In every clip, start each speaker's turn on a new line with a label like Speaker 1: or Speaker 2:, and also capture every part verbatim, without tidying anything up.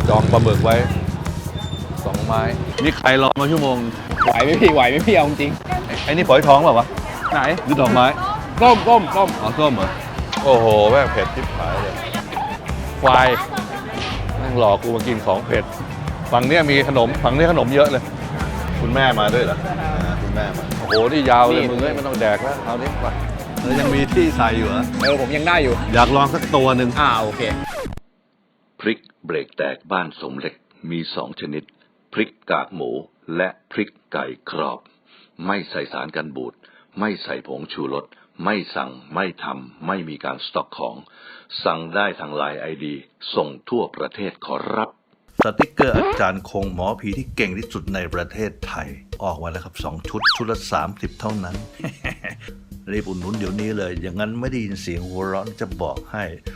Speaker 1: จองปลาหมึกไว้สองไม้นี่ใครรอมาชั่วโมง
Speaker 2: ไหวไหมพี่ไหวไหมพี่เอาจริง
Speaker 1: ไอ้นี่ฝอยท้องเปล่าวะ
Speaker 2: ไหน
Speaker 1: หรือดอกไม้
Speaker 2: ส้มส้มส้ม
Speaker 1: อ๋อส้มเหรอโอ้โหแม่งเผ็ดทิพหายเลยควายนั่งรอกูมากินของเผ็ดฝั่งนี้มีขนมฝั่งนี้ขนมเยอะเลยคุณแม่มาด้วยเหรอคุณแม่มาโอ้โหนี่ยาวเลยมึงไม่ต้องแดกแล้วเอานี้ไปแล้วยังมีที่ใส่อยู่เหรอ
Speaker 2: เออผมยังได้อยู่
Speaker 1: อยากลองสักตัวหนึ่ง
Speaker 2: อ่าโอเค
Speaker 3: พริกเบรกแตกบ้านสมเหล็กมีสองชนิดพริกกากหมูและพริกไก่กรอบไม่ใส่สารกันบูดไม่ใส่ผงชูรสไม่สั่งไม่ทำไม่มีการสต็อกของสั่งได้ทางไลน์ ไอ ดี ส่งทั่วประเทศขอรับ
Speaker 4: สติกเกอร์อาจารย์คงหมอผีที่เก่งที่สุดในประเทศไทยออกมาแล้วครับสองชุดชุดละสามสิบเท่านั้น รีบอุดหนุนเดี๋ยวนี้เลยอย่างนั้นไม่ได้ยินเสียงหัวเราะจะบอกให้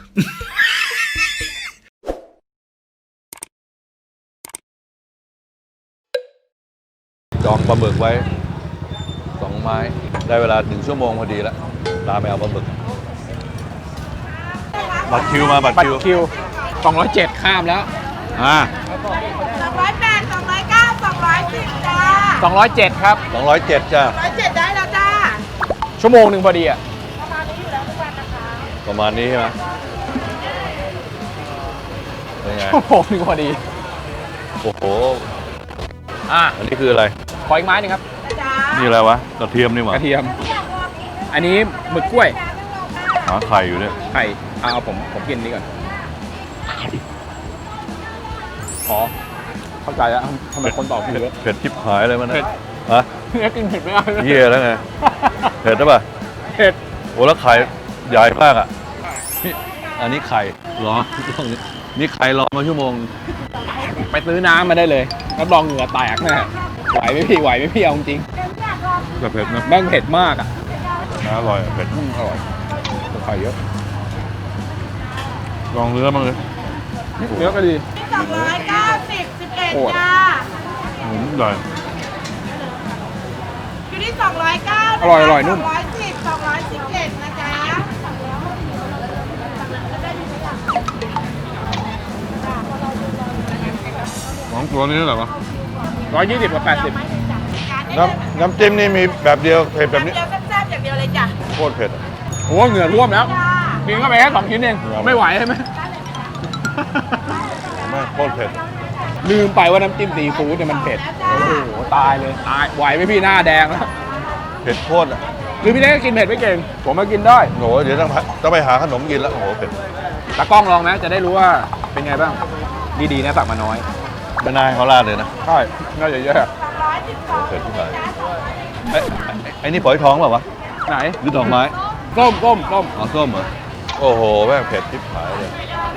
Speaker 1: จองปลาหมึกไว้สองไม้ได้เวลาหนึ่งชั่วโมงพอดีแล้วตามไปเอาปลาหมึกบัตรคิวมาบัตรคิว
Speaker 2: คิวสองร้อยเจ็ดข้ามแล้ว
Speaker 1: อ่า
Speaker 5: สองร้อยแปดสองร้อยเก้าสองร้อยสิบจ้า
Speaker 2: สองร้อยเจ็ดครับ
Speaker 1: สองร้อยเจ็ดจ้า
Speaker 5: สองร้อยเจ็ดได้แล้วจ้า
Speaker 2: ชั่วโมงหนึ่งพอดีอ่ะ
Speaker 5: ประมาณนี้อยู่แล้วทุกวันนะคะ
Speaker 1: ประมาณนี้ใช่ไหมเป็นไง
Speaker 2: ชั่วโมงหนึ่งพอดี
Speaker 1: โอ้โห
Speaker 2: อ่ะ
Speaker 1: อันนี้คืออะไร
Speaker 2: ขออีกไม้หนึ่งครับ
Speaker 1: นี่อะไรวะกระเทียมนี่หว่าก
Speaker 2: ระเทียมอันนี้หมึกกล้วย
Speaker 1: หาไข่อยู่เนี่ย
Speaker 2: ไข่เอาเอาผมผมกินนี้ก่อนขอเข้าใจแล้วทำไมคนตอบผิดเยอะ
Speaker 1: เผ็ดทิพหายเลยมันนะ
Speaker 2: เผ็ด
Speaker 1: ฮะ
Speaker 2: เนี่ยกินเผ็ดไม่ได้
Speaker 1: เยี่ยแล้วไงเผ็ดใช่ป่ะ
Speaker 2: เผ็ด
Speaker 1: โอ้แล้วไข่ใหญ่มากอ่ะนี่อันนี้ไข่หรอนี่ไข่รอมาชั่วโมง
Speaker 2: ไปซื้อน้ำมาได้เลยรับรองเหงื่อแตกแน่ไหวไหมพี่ไหวไหมพี่เอาจริง
Speaker 1: แต่เผ็ดนะ
Speaker 2: แม่งเผ็ดมากอ่ะ
Speaker 1: อร่อยเผ็ด
Speaker 2: อร่อยไข่เยอะ
Speaker 1: ลองเนื้อมั้งเลย
Speaker 2: เนื้อก็ดี
Speaker 5: สองร้อยเก้าสิบสิบเอ็ดจ้า
Speaker 1: อืมอร่อย
Speaker 5: อยู่ที่สองร้อยเก้า
Speaker 2: อร่อยอร่อยนุ่ม
Speaker 5: สองร้อยสิบสองร้อยสิบเอ็ดนะจ๊ะ
Speaker 1: ของตัวนี้เท่าไหร่วะ
Speaker 2: ร้อยยี่สิบกับแปดสิบ
Speaker 1: น้ำน้ำจิ้มนี่มีแบบเดียวเผ็ดแบบนี้
Speaker 5: เดียวแซ่บๆอย่างเดียวเลยจ้ะ
Speaker 1: โคตรเผ็ด
Speaker 2: โอ้เหงื่อท่วมแล้วกินเข้าไปแค่สองชิ้นเองไม่ไหวใช่ไหม
Speaker 1: ไม่โคตรเผ็ด
Speaker 2: ลืมไปว่าน้ำจิ้มซีฟู้ดเนี่ยมันเผ็ดโอ้โหตายเลยตายไหวไหมพี่หน้าแดงแล้ว
Speaker 1: เผ็ดโคตรอ่ะ
Speaker 2: หรือพี่เล็กกินเผ็ดไม่เก่งผมมากินได้
Speaker 1: โหเดี๋ยวต้องต้องไปหาขนมกินแล้วโอ้โหเผ็ด
Speaker 2: ตากล้องลองนะจะได้รู้ว่าเป็นไงบ้างดีๆนะสั่งมาน้อย
Speaker 1: ไม่นายเขาลาดเลยนะ
Speaker 2: ใช่น่าจะเยอะ
Speaker 1: เผ็ดที่ไหนไอ้ไอ้นี่ฝอยท้องเปล่าวะ
Speaker 2: ไหน
Speaker 1: หรือดอกไม้
Speaker 2: ส้มส้มส้ม
Speaker 1: อ๋อส้มเหรอโอ้โหแม่งเผ็ดทิพหายเลย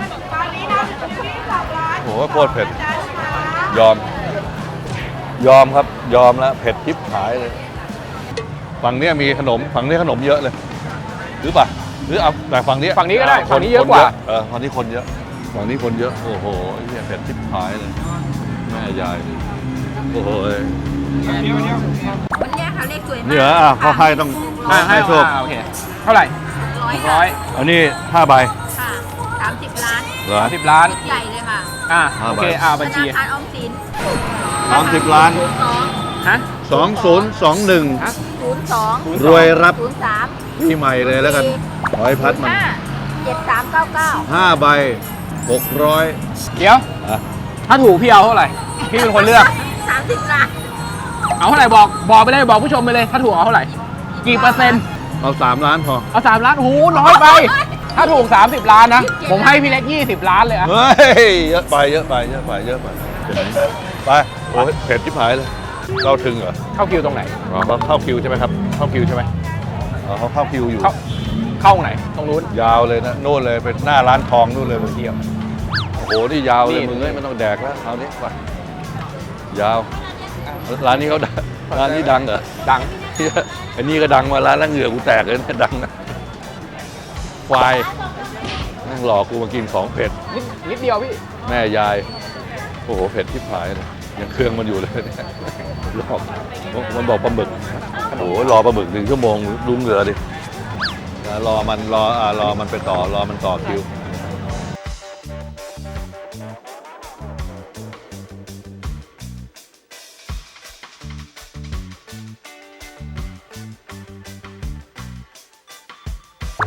Speaker 1: โอ้โหโคตรเผ็ดยอมยอมครับยอมแล้วเผ็ดทิพหายเลยฝั่งนี้มีขนมฝั่งนี้ขนมเยอะเลยหรือป่ะหรือเอาแต่ฝั่งนี้
Speaker 2: ฝั่งนี้ก็ได้ฝั่งนี้เยอะกว่า
Speaker 1: เออฝั่งนี้คนเยอะฝั่งนี้คนเยอะโอ้โหเหี้ยเผ็ดทิพหายเลยแม่ยายโอ้โห
Speaker 5: วันนี้ค่ะเลขสวยมาก
Speaker 1: นี่เหรออ่ะเขาให้ต้องให้โชค
Speaker 2: โอเคเท่าไหร่ร้อย
Speaker 1: อันนี้ห้าใบ
Speaker 5: ค่ะสามสิบล้าน
Speaker 1: เหรอ
Speaker 2: สิบล้าน
Speaker 5: ใหญ่เลยค่ะ
Speaker 2: อ่าโอเคอ่าบัญชี
Speaker 5: ธนาคารออมสิน
Speaker 1: สามสิบล้าน
Speaker 2: ฮะ
Speaker 1: สองศูนย์สองหนึ่ง
Speaker 5: ศูนย์สอง
Speaker 1: รวยรับ
Speaker 5: ศูนย์สาม
Speaker 1: ปีใหม่เลยแล้วกันร้อยพัดมัน
Speaker 5: เจ็ดสามเก้าเก้า
Speaker 1: ห้าใบหกร้อย
Speaker 2: เดี๋ยวถ้าถูกพี่เอาเท่าไหร่พี่เป็นคนเลือก
Speaker 5: สามสิบล้าน
Speaker 2: เอาเท่าไหร่บอกบอกไปเลยบอกผู้ชมไปเลยถ้าถูกเอาเท่าไหร่กี่เปอร์เซ็นต์
Speaker 1: เอาสามล้านพอ
Speaker 2: เอาสามล้านโอ้โหน้อยไปถ้าถูกสามสิบล้านนะผมให้พี่เล็กยี่สิบล้านเลยอะ
Speaker 1: เฮ้ยเยอะไปเยอะไปเยอะไปเยอะไปไปโอ้เผ็ดที่ผายเลยเราถึงเหรอ
Speaker 2: เข้าคิวตรงไหน
Speaker 1: อ๋อเข้าคิวใช่ไหมครับเข้าคิวใช่ไหมอ๋อเขาเข้าคิวอยู่
Speaker 2: เข้าไหนตรงนู้น
Speaker 1: ยาวเลยนะโน่นเลยเป็นหน้าร้านทองนู่นเลยมึงเที่ยวโอ้โหนี่ยาวเลยมึงไม่ต้องแดกแล้วเอานี้ไปยาวร้านนี้เขาร้านนี้ดังเหรอ
Speaker 2: ดัง
Speaker 1: อันนี้ก็ดังมาร้านละเหงื่อกูแตกเลยนะดังนะควายนั่งรอกูมากินของเผ็ด
Speaker 2: นิดนิดเดียวพี่
Speaker 1: แม่ยายโอ้โหเผ็ดที่ผายเลยยังเครื่องมันอยู่เลยเนี่ยรอมันบอกปลาหมึกโอ้โหรอปลาหมึกหนึ่งชั่วโมงดูเหงื่อดิรอมันรออ่ารอมันไปต่อรอมันต่อคิว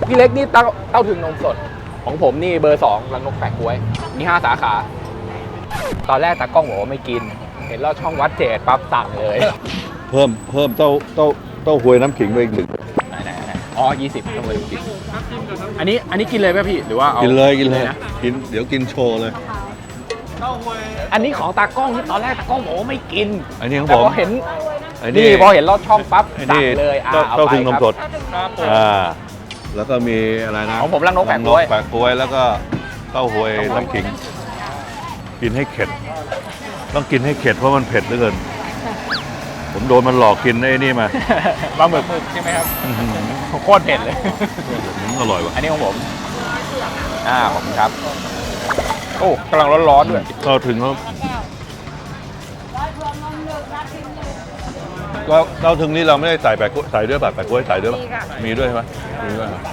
Speaker 2: พี่เล็กนี่เต้าเต้าถึงนมสด ของผมนี่เบอร์สองรังนกแปะกล้วย มีห้าสาขา ตอนแรกตากล้องบอกว่าไม่กิน เห็นลอดช่องวัดเจดปั๊บสั่งเลย
Speaker 1: เพิ่มเพิ่มเต้าเต้าเต้าหวยน้ำขิงไปอีกหนึ่ง
Speaker 2: ไหนไหนไหนอ๋อยี่สิบต้องเลยกินอันนี้อันนี้กินเลยไหมพี่ หรือว่าเอา
Speaker 1: กินเลยกินเลย
Speaker 2: นะ
Speaker 1: กินเดี๋ยวกินโชว์เลย
Speaker 2: อันนี้ของตากล้องที่ตอนแรกตากล้องบอกว่าไม่กิน
Speaker 1: อันนี้ของ
Speaker 2: แต่
Speaker 1: ผม
Speaker 2: พอเห็น
Speaker 1: ไอ้
Speaker 2: นี่พอเห็นลอดช่องปั๊บ
Speaker 1: ไอ้
Speaker 2: สั่
Speaker 1: นี่
Speaker 2: งเลยอ่า
Speaker 1: เต้า
Speaker 2: เอา
Speaker 1: เต้า
Speaker 2: ไป
Speaker 1: ถึงนม
Speaker 2: ครับ
Speaker 1: สด
Speaker 2: ครับผม
Speaker 1: อ่าแล้วก็มีอะไรนะ
Speaker 2: ของผมรังนกแปะกล้วย
Speaker 1: แปะกล้วยแล้วก็เต้าหวยน้ำขิง กินให้เข็ด ต้องกินให้เข็ดเพราะมันเผ็ดเหลือเกิน ผมโดนมันหลอกกินไอ้นี่มา
Speaker 2: ปลาหมึกใช่ไหมครับ
Speaker 1: อื้อหือ
Speaker 2: โคตรเผ็ดเลย
Speaker 1: อืมอร่อยว่ะ
Speaker 2: อันนี้ของผม อ่าขอบคุณครับ โอ้กำลังร้อนๆด้วย
Speaker 1: ก็ถึงแล้วก็เราถึงนี้เราไม่ได้ใส่แปะกล้วยใส่ด้วยป่ะแปะกล้วยใส่ด้วยป่ะมีด้วยใช่ไหมมีด้วยเหรอก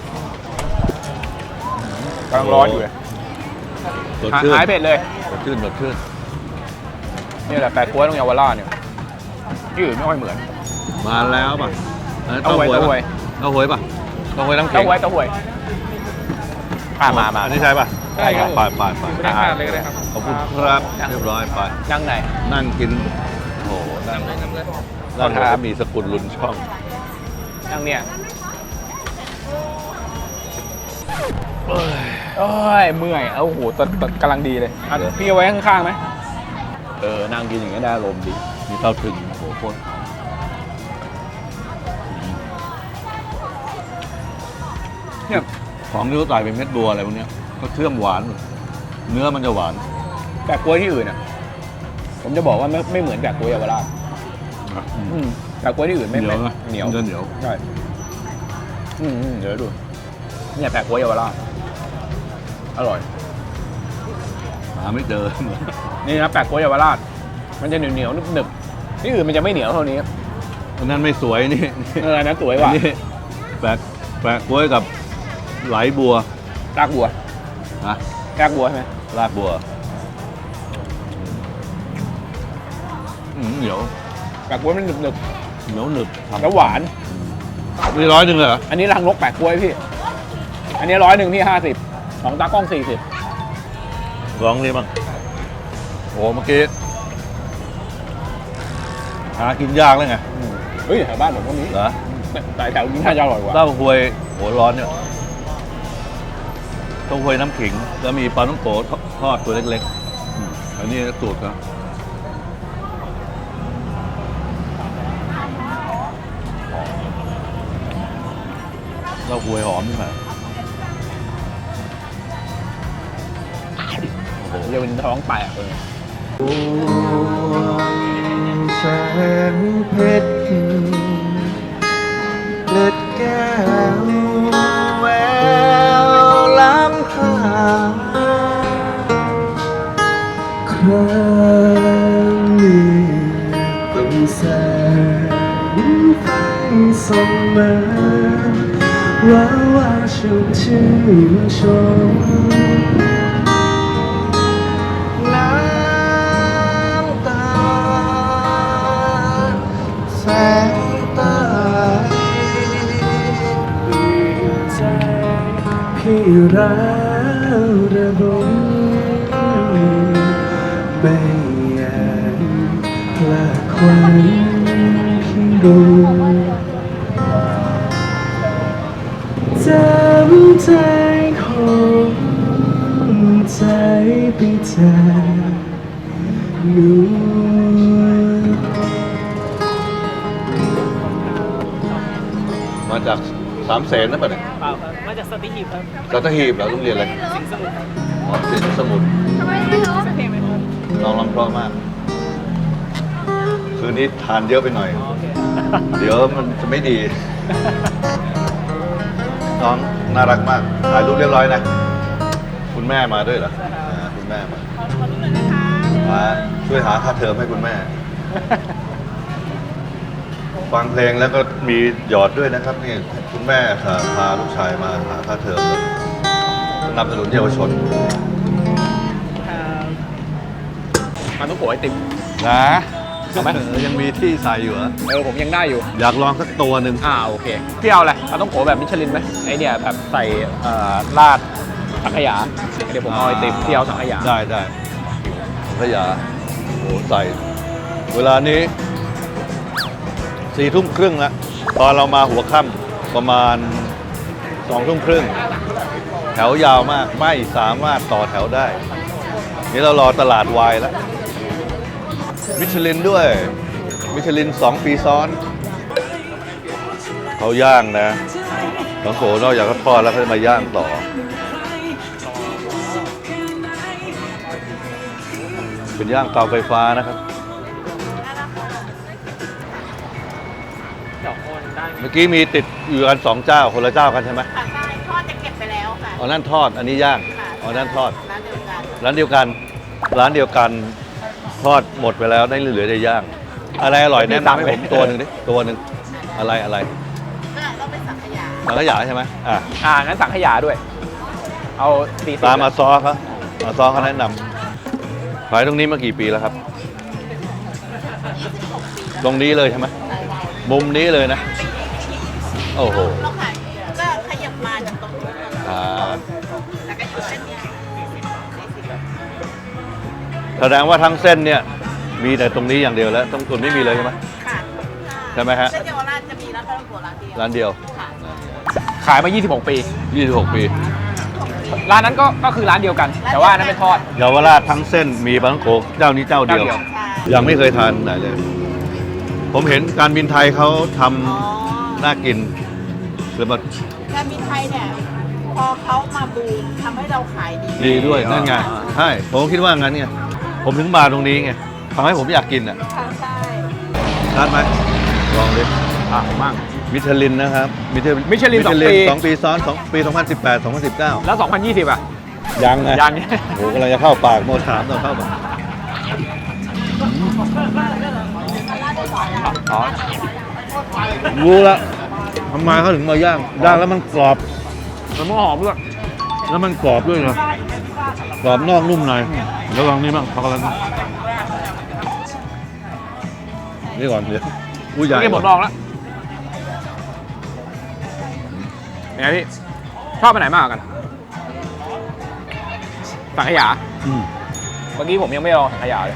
Speaker 2: ำลังร้อนอยู่เลย
Speaker 1: สดชื่น
Speaker 2: หายเผ็ดเลย
Speaker 1: สดชื่นสดชื่น
Speaker 2: นี่แหละแปะกล้วยตรงเยาวราชเนี่ยที่อื่นไม่ค่อยเหมือน
Speaker 1: มาแล้วป่ะ
Speaker 2: เต้าหวย
Speaker 1: ป่ะ
Speaker 2: เต้าหวย
Speaker 1: เต้าหวยป่ะเต้าหวยน้ำแข็
Speaker 2: เต้าง หวยเต้าหวยอ่ามามา
Speaker 1: อันนี้ใช่ป่ะ
Speaker 2: ใช่ครับ
Speaker 1: ไปไปไป
Speaker 2: นั่งทานเลยก็ได้ครับ
Speaker 1: ขอบคุณครับเรียบร้อยไป
Speaker 2: นั่งไหน
Speaker 1: นั่งกินโอ้โหนั่งนั่งแล้วก็มีสกุลลุนช่อง
Speaker 2: นั่งเนี่ยเอ้ยเมื่อยเอ้าโหตอนตอนกำลังดีเลยอ่ะพี่เอาไว้ข้างๆไหมเออนั่งกินอย่างนี้ได้อารมณ์ดี
Speaker 1: มีเต้าถึงโอ้โหโคตรเนี่ยของที่เขาใส่เป็นเม็ดบัวอะไรพวกเนี้ยก็เชื่อมหวานหมดเนื้อมันจะหวาน
Speaker 2: แปะกล้วยที่อื่นอ่ะ ผมจะบอกว่าไม่ไม่เหมือนแปะกล้วยเยาวราช อืมแปะกล้วยที่อื่นไม่
Speaker 1: เหนียวนะ
Speaker 2: เหนียว
Speaker 1: มันจะเหนียว
Speaker 2: ใช่อืมอืมเดี๋ยวดูเนี่ยแปะกล้วยเยาวราชอร่อย
Speaker 1: หาไม่เจอ
Speaker 2: นี่นะแปะกล้วยเยาวราชมันจะเหนียวเหนียวๆหนึบๆที่อื่นมันจะไม่เหนียวเท่านี้
Speaker 1: อันนั้นไม่สวยนี่
Speaker 2: เอออันนั้นสวย
Speaker 1: อั
Speaker 2: ว่ะ
Speaker 1: นนี้แปะแปะกล้วยกับไหลบัว
Speaker 2: รากบัว
Speaker 1: นะ
Speaker 2: รากบัวใช่ไหม
Speaker 1: รากบัวอืมเหนียว
Speaker 2: แปะกล้วยมันหนึบ
Speaker 1: เหนียวหนึบ
Speaker 2: ๆแล้วหวาน
Speaker 1: นี่ร้อยหนึ่งเหรอ
Speaker 2: อันนี้รังนกแปะกล้วยพี่ อันนี้ร้อยหนึ่งพี่ห้าสิบของตากล้องสี่สิบ
Speaker 1: ลองนี่บ้างโอ้เมื่อกี้หากินยากเลยไง
Speaker 2: เฮ้ยแถวบ้านผมก็มี
Speaker 1: เหรอ
Speaker 2: แต่แถวนี้น่าจะอร่อยกว่า
Speaker 1: เต้าหวยโหร้อนเนี่ยเต้าหวยน้ำขิงแล้วมีปลาต้องโกทอดตัวเล็กๆอืมอันนี้สูตรครับเต้าหวยหอมใช่ไหม
Speaker 2: เรียกเป็นท้องแตกเลย
Speaker 6: แสงเพชรเลือดแก้วแววล้ำค่าครั้งนี้ต้องแสงไฟส่องมาว่าว่าชุ่มชื่นชมน้ำตาแสงใต้เปลี่ยนใจพี่รักระบมไม่อยากพลาดความพี่รู้จำใจของใจไปจากหนู
Speaker 1: มาจากสามเสนนะป่ะเนี่ย
Speaker 7: เปล่าครับมาจากสติหีบครับ
Speaker 1: สัตหีบเหราโรงเรียนอะไร
Speaker 7: สิงห์สมุทรครับ
Speaker 1: อ๋อสิงห์สมุทร
Speaker 5: ทำไมไม่รู้
Speaker 7: เพลงไหมครับ
Speaker 1: น้องร้องเพราะมาก คืนนี้ทานเยอะไปหน่อย
Speaker 7: โอเค
Speaker 1: เดี๋ยวมันจะไม่ดี น้องน่ารักมาก ถ่ายรูปเรียบร้อยนะ คุณแม่มาด้วยเหรออ่าคุณแม่มา
Speaker 5: ขอขอดูหน่อยนะคะ
Speaker 1: มาช่วยหาค่าเทอมให้คุณแม่ ฟังเพลงแล้วก็มีหยอดด้วยนะครับนี่คุณแม่ค่ะพาลูกชายมาหาค่าเทอมสนับสนุนเยาวชน
Speaker 2: มันต้องโกยไอติม
Speaker 1: นะ
Speaker 2: เอาไหม
Speaker 1: เออยังมีที่ใส่อยู่เหรอ
Speaker 2: เออผมยังได้อยู่
Speaker 1: อยากลองสักตัวหนึ่ง
Speaker 2: อ่าโอเคพี่เอาอะไรเอาต้องโกแบบมิชลินไหมไอเนี่ยแบบใส่เอ่อราดสังขยาเดี๋ยวผมเอาไอติมพี่เอาสังขยา
Speaker 1: ได้ได้สังขยาโอ้ใส่ เวลานี้สี่ทุ่มครึ่งแล้วตอนเรามาหัวค่ำประมาณสองทุ่มครึ่งแถวยาวมากไม่สามารถต่อแถวได้ นี่เรารอตลาดวายแล้วมิชลินด้วย มิชลินสองปีซ้อน เขาย่างนะบางโขนอกจากเขาทอดแล้วเขาจะมาย่างต่อ เป็นย่างเตาไฟฟ้านะครับ
Speaker 7: เดี๋ยวโอนได้
Speaker 1: เมื่อกี้มีติดอยู่กันสองเจ้าคนละเจ้ากันใช่ไหม
Speaker 5: ค่ะใช่ทอดจะเก็บไปแล้วค่ะ
Speaker 1: อ๋อนั่นทอดอันนี้ย่าง
Speaker 5: ค่ะ
Speaker 1: อ๋อนั่นทอด
Speaker 5: ร้านเดียวกัน
Speaker 1: ร้านเดียวกัน ร้านเดียวกันทอดหมดไปแล้วได้เหลือแต่ย่าง อะไรอร่อยแนะนำให้ผมตัวหนึ่งดิตัวหนึ่งอะไรอะไร
Speaker 5: ก็ต้องเป็นสังขยา
Speaker 1: สังขยาใช่ไหมอ่ะ
Speaker 2: อ่างั้นสังขยาด้วย เอาสี่สิบ
Speaker 1: ตามมาซอเขามาซอเขาแนะนำขายตรงนี้มากี่ปีแล้วครับ ตรงนี้เลยใช่ไหมมุมนี้เลยนะ โอ้โห
Speaker 5: เราขายก็ขยับมาจากตรงนู้นแล้ว
Speaker 1: อ่า
Speaker 5: ก็อยู่เส้นเนี้ยสี่สิบ
Speaker 1: แสดงว่าทั้งเส้นเนี่ยมีแต่ตรงนี้อย่างเดียวแล้วตรงส่วนไม่มีเลยใช่ไหม
Speaker 5: ค่ะ
Speaker 1: ใช่ไหมฮะ
Speaker 5: เส้นเยาวราชจะมีร้านปลาท่องโกะร้านเดียว
Speaker 1: ร้านเดียว
Speaker 5: ค่ะ
Speaker 2: ขายมา ยี่สิบหก ปี
Speaker 1: ยี่สิบหกปี
Speaker 2: ร้านนั้นก็ก็คือร้านเดียวกัน แต่ว่าอันนั้นเป็นทอด
Speaker 1: เยาวราชทั้งเส้นมีปลาท่องโกะเจ้านี้เจ้าเดียว
Speaker 2: เจ้าเดียว
Speaker 5: ใช่
Speaker 1: ยังไม่เคยทานไหนเลย ผมเห็นการบินไทยเขาทำ
Speaker 5: อ๋อ
Speaker 1: น่ากินแล้วมา
Speaker 5: การบินไทยเนี่ย พอเขามาบูมทำให้เราขายดี
Speaker 1: ดีด้วยนั่นไงใช่ผมคิดว่างั้นไงผมถึงมาตรงนี้ไงทำให้ผมอยากกินอ่ะ
Speaker 5: ค่ะใช่
Speaker 1: ชัดไหมลองดิ
Speaker 2: อ่ะมาก
Speaker 1: มิชลินนะครับมิชลิน
Speaker 2: มิชลินสองปี
Speaker 1: สองปีซ้อนสองปีสองพันสิบแปด สองพันสิบเก้า
Speaker 2: แล้ว สองพันยี่สิบ อ่ะ
Speaker 1: ยังไง
Speaker 2: ยัง
Speaker 1: โอ้โหกำลังจะเข้าปากโมถามตอนเข้าปาก
Speaker 2: อ๋อ
Speaker 1: รู้ละทำไมเขาถึงมาย่างย่างแล้วมันกรอบ
Speaker 2: มันหอมด้วย
Speaker 1: แล้วมันกรอบด้วยนะกรอบนอกนุ่มในแล้วลองนี่บ้างช็อกโกแลตบ้างนี่ก่อนเดี๋ยวผู้ใหญ่
Speaker 2: นี่หมดลองแล้วเป็นไงพี่ ชอบไปไหนมากกว่ากัน สังขยา
Speaker 1: อืม
Speaker 2: เมื่อกี้ผมยังไม่ลองสังขยาเลย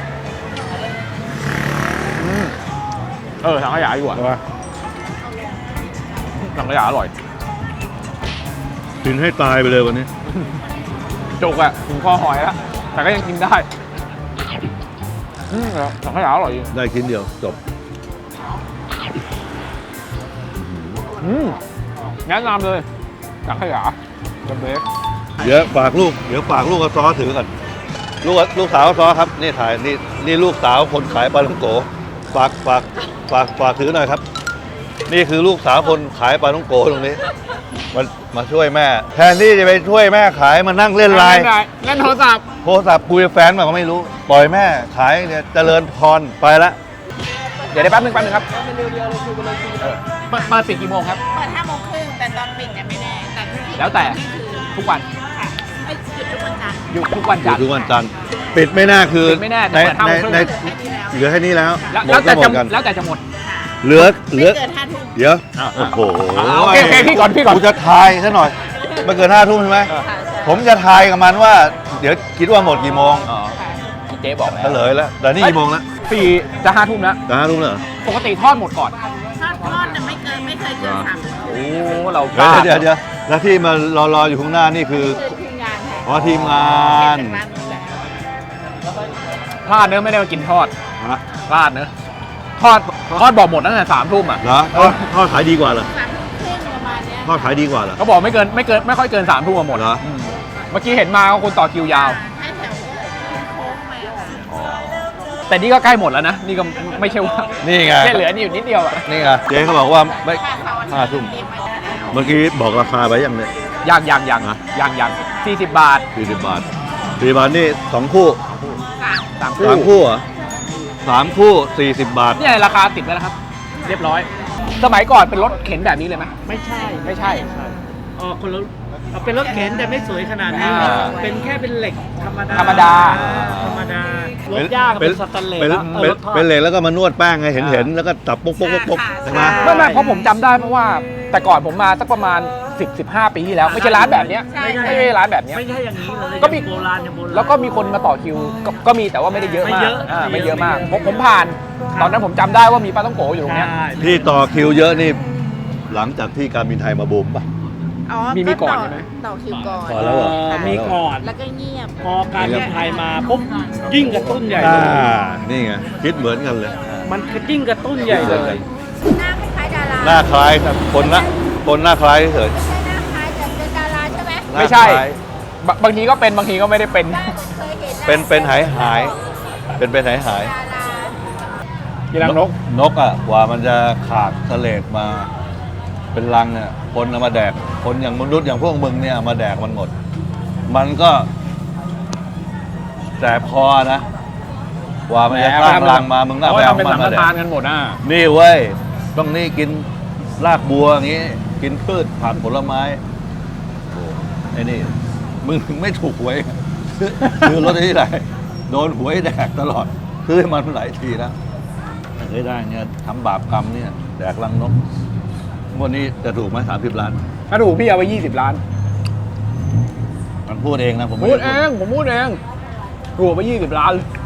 Speaker 2: อืมเออสังขยาดีกว่า
Speaker 1: ใช่ปะ
Speaker 2: สังขยาอร่อย
Speaker 1: กินให้ตายไปเลยวันนี้
Speaker 2: จุกอะถึงคอหอยแล้ว แต่ก็ยังกินได้ อืมสังขยาอร่อยจริง
Speaker 1: ได้ชิ้นเดียวจบ
Speaker 2: อืมแนะนำเลยสังขยาจะเบส
Speaker 1: เดี๋ยวฝากลูก เดี๋ยวฝากลูกกับซอถือก่อนลูกลูกสาวซอครับ นี่ถ่ายนี่นี่ลูกสาวคนขายปลาท่องโกฝากฝากฝากฝากถือหน่อยครับ นี่คือลูกสาวคนขายปลาท่องโกตรงนี้มามาช่วยแม่ แทนที่จะไปช่วยแม่ขายมานั่งเล่นไลน์
Speaker 2: เล่นโทรศัพท์
Speaker 1: โทรศัพท์คุยกับแฟนมาก็ไม่รู้ ปล่อยแม่ขายเนี่ยเจริญพรไปละ
Speaker 2: เดี๋ยวได้แป๊บนึงแป๊บนึงครับเออมามาปิดกี่โมงครับ
Speaker 5: เปิดห้าโมงครึ่งแต่ตอนปิดเนี่ยไม่แน่แต่ที่
Speaker 2: แล้วแต่ทุกวัน
Speaker 5: ค่ะไม่หยุดทุกวันจันทร์
Speaker 2: หยุดทุกวัน
Speaker 1: อ
Speaker 2: จั
Speaker 1: ยู่
Speaker 2: นทร์
Speaker 1: ทุกวันจันทร์ปิดไม่แน่คือ
Speaker 2: ปิดไม่แน่
Speaker 1: ใน
Speaker 2: แต่เปิดห้า
Speaker 1: ใน
Speaker 2: โมงครึ่ง
Speaker 1: ในเหลือแค่นี้แล้ว
Speaker 2: แล้ว
Speaker 1: หม
Speaker 2: แล้
Speaker 1: ด
Speaker 2: ว
Speaker 1: ก็
Speaker 2: แต่
Speaker 1: หม
Speaker 2: จะ
Speaker 1: ดกัน
Speaker 2: แล้วแต่จะหมด
Speaker 1: เหลือเหลือ
Speaker 5: ไม่เกินห้าทุ่ม
Speaker 1: เดี๋ยว
Speaker 2: อ่ะ
Speaker 1: โอ้โห
Speaker 2: อ่ะโอเคโอเคพี่ก่อนพี่ก่อน
Speaker 1: กูจะทายซะหน่อยไม่เกินห้าทุ่มใช่ไหม
Speaker 2: เออ
Speaker 5: ค่ะใช่
Speaker 1: ผมจะทายกับมันว่า เดี๋ยวคิดว่าหมดกี่โมง
Speaker 2: อ๋อพี่เจ๊บอกแล้
Speaker 1: เฉ
Speaker 2: ว
Speaker 1: ลยแล้วแต่นี่กี่โมงแล้ว
Speaker 2: ปีจะห้าทุ่มแล้ว
Speaker 1: จะห้าทุ่มแล้วเหรอ
Speaker 2: ปกติทอดหมดก่อน
Speaker 5: ทอดทอดเนี่ยไม่เกินไม่เคยเกินสามทุ่ม
Speaker 2: โอ้เราก
Speaker 1: เดี๋ย
Speaker 2: ล้าว
Speaker 1: เดี๋ยวเดี๋ยวแล้วที่มารอรออยู่ข้างหน้านี่คือ
Speaker 5: คือทีมงานค่ะ
Speaker 1: อ๋อทีมงาน
Speaker 5: เป็นร้านนู้นแหละ
Speaker 2: พลาดเนื้อะไม่ได้มากินทอด
Speaker 1: ฮะ
Speaker 2: พลาดเนื้อะทอดทอดบอกหมดตั้งแต่สามทุ่มอ่ะ
Speaker 1: เหรอทอดทอดขายดีกว่าเหรอ
Speaker 5: สามทุ่มครึ่งประมาณเนี้ย
Speaker 1: ทอดขายดีกว่าเหรอ
Speaker 2: เขาบอกไม่เกินไม่เกินไม่ค่อยเกินสามทุ่มมาหมด
Speaker 1: เหรอ
Speaker 2: มเมื่อกี้เห็นมาก็คนต่อคิวยาว
Speaker 5: ให้แถวโค้งมาค่ะ
Speaker 2: แต่นี่ก็ใกล้หมดแล้วนะ นี่ก็ไม่ใช่ว่า
Speaker 1: นี่ไง
Speaker 2: แค่เหลือนี่อยู่นิดเดียวอ่ะ
Speaker 1: นี่ไงเจ๊เขาบอกว่าไม่
Speaker 5: ค่ะเสาร์อาทิตย์
Speaker 1: ห้าทุ่ม
Speaker 5: เรียกมาได้แล้ว
Speaker 1: เมื่อกี้บอกราคาไปยังเนี่ย
Speaker 2: ยังยังยัง
Speaker 1: ฮะ
Speaker 2: ยังยังสี่สิบบาท
Speaker 1: สี่สิบบาทสี่สิบบาทนี่สองคู่
Speaker 2: สามคู่
Speaker 1: สามคู่เหรอสามคู่สี่สิบบาท
Speaker 2: เนี่ยราคาติดแล้วนะครับ เรียบร้อย สมัยก่อนเป็นรถเข็นแบบนี้เลยไหม
Speaker 7: ไม่ใช่
Speaker 2: ไม่ใช่
Speaker 7: เออคนละเอาเป็นรถเข็นแต่ไม่สวยขนาดนี้
Speaker 2: อ่า
Speaker 7: เป็นแค่เป็นเหล็กธรรมดา
Speaker 2: ธรรมดา
Speaker 7: ธรรมดารถย่างเป็นสแตนเลส
Speaker 1: เป็น
Speaker 7: แล้วเออ
Speaker 1: เป็น
Speaker 7: รถทอด
Speaker 1: เป็นเหล็กแล้วก็มานวดแป้งไงเห็นเห็นแล้วก็ตับปุ๊กปุ๊กปุ๊กปุ๊กใช่ไหม
Speaker 2: ไม่ไม่เพราะผมจำได้เพราะว่า แต่ก่อนผมมาสักประมาณ สิบ สิบห้า ปีที่แล้ว ไม่ใช่ร้านแบบเนี้ย
Speaker 5: ใช่
Speaker 2: ไม่ใช่ร้านแบบเนี้ย
Speaker 7: ไม่ใช่อย่างนี้เลย
Speaker 2: ก็มี
Speaker 7: โบราณอย่างโบราณ
Speaker 2: แล้วก็มีคนมาต่อคิวก็ก็มีแต่ว่าไม่ได้เยอะ
Speaker 7: ไม่
Speaker 2: มาก
Speaker 7: เยอะ
Speaker 2: อ่า
Speaker 7: ไม่
Speaker 2: ไม่
Speaker 7: เย
Speaker 2: เย
Speaker 7: อะ
Speaker 2: อะมาก
Speaker 7: ไม่เยอะ
Speaker 2: ผมผมผ่าน
Speaker 7: ครับ
Speaker 2: ตอนนั้นผมจำได้ว่ามีปลาต้องโกอยู่ตรงเนี้ย
Speaker 7: ใช่
Speaker 1: ที่ต่อคิวเยอะนี่หลังจากที่การบินไทยมาบูมป่ะ
Speaker 5: อ๋อ
Speaker 2: มีมีก่อน
Speaker 5: ต่
Speaker 2: ใช่ไหม
Speaker 5: ต่อคิวก่อน
Speaker 1: ก่อนแล้วเหรอ
Speaker 7: เออมีก่อน
Speaker 5: แล้วก็เงียบ
Speaker 7: พอการบินไทยมาปุ๊บยิ่งกระตุ้นใหญ่
Speaker 1: อ่า
Speaker 7: เลย
Speaker 1: นี่ไงคิดเหมือนกันเลย
Speaker 7: มันยิ่งกระตุ้นใหญ่เลย
Speaker 5: หน้าคล้ายๆดารา
Speaker 1: หน้าคล้ายครับคนละคนหน้าคล้ายเฉย
Speaker 5: ไม่ใช่หน้าคล้ายแต่เป็นดาราใช่ไหม
Speaker 1: หน้า
Speaker 2: ไม่ใช่
Speaker 1: คล้าย
Speaker 2: บางบางทีก็เป็นบางทีก็ไม่ได้เป็น
Speaker 5: ได้เคยเห็น
Speaker 1: เป็นเป็นหายหายเป็นเป็นหายหาย
Speaker 5: ดารา
Speaker 2: กีรังนก
Speaker 1: นกอ่ะกว่ามันจะขาดเสลดมา เป็นรังเนี่ยคนเอามาแดก คนอย่างมนุษย์อย่างพวกมึงเนี่ยเอามาแดกมันหมด มันก็แสบคอนะกว่ามันจะสร้างรังมามึงก็เอาไป
Speaker 2: เขา
Speaker 1: เอา
Speaker 2: ทำเป็น
Speaker 1: มัน
Speaker 2: สังฆ
Speaker 1: มาแด
Speaker 2: ทาน
Speaker 1: ก
Speaker 2: กันหมดอ่ะ
Speaker 1: นี่เว้ยต้องนี่กินรากบัวอย่างงี้ กินพืชผักผลไม้โอ้ไอ้นี่มึงถึงไม่ถูกหวย ซื้อรถที่ไหนโดนหวยแดกตลอดซื้อให้มันหลายทีแล้วไม่เคยได้เนี่ยทำบาปกรรมเนี่ยแดกรังนกงวดนี้จะถูกไหมสามสิบล้าน
Speaker 2: ถ้าถูกพี่เอาไปยี่สิบล้าน
Speaker 1: มันพูดเองนะผมไม่
Speaker 2: พูด
Speaker 1: ไ
Speaker 2: เองผมพูดเองถูกไปยี่สิบล้าน
Speaker 1: ผ